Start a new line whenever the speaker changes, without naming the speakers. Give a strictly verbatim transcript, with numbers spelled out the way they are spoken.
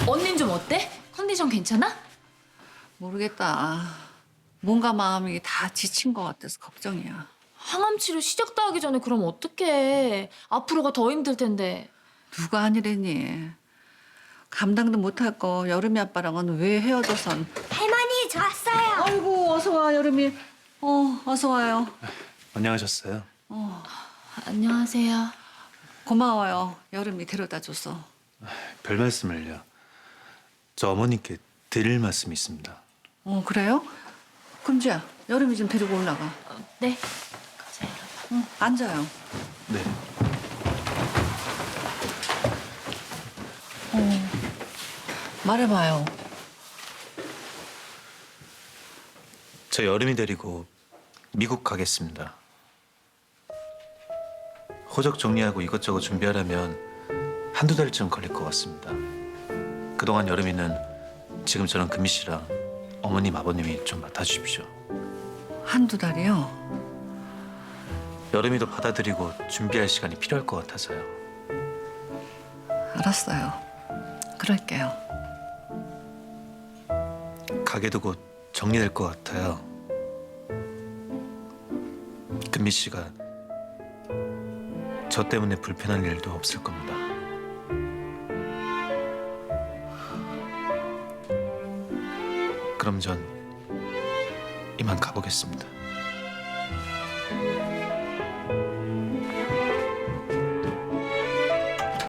언닌 좀 어때? 컨디션 괜찮아?
모르겠다. 뭔가 마음이 다 지친 것 같아서 걱정이야.
항암 치료 시작도 하기 전에 그럼 어떡해. 앞으로가 더 힘들 텐데.
누가 아니래니. 감당도 못할 거 여름이 아빠랑은 왜 헤어져선.
할머니, 저 왔어요.
아이고 어서 와 여름이. 어 어서 와요.
안녕하셨어요?
안녕하세요.
고마워요. 여름이 데려다 줘서.
별 말씀을요. 저 어머님께 드릴 말씀이 있습니다.
어 그래요? 금지야 여름이 좀 데리고 올라가.
어, 네. 가자, 여러분.
응 앉아요.
네.
말해봐요.
저 여름이 데리고 미국 가겠습니다. 호적 정리하고 이것저것 준비하려면 한두 달쯤 걸릴 것 같습니다. 그동안 여름이는 지금 저랑 금미 씨랑 어머님, 아버님이 좀 맡아주십시오.
한두 달이요?
여름이도 받아들이고 준비할 시간이 필요할 것 같아서요.
알았어요. 그럴게요.
가게도 곧 정리될 것 같아요. 금미 씨가 저 때문에 불편한 일도 없을 겁니다. 그럼 전 이만 가보겠습니다.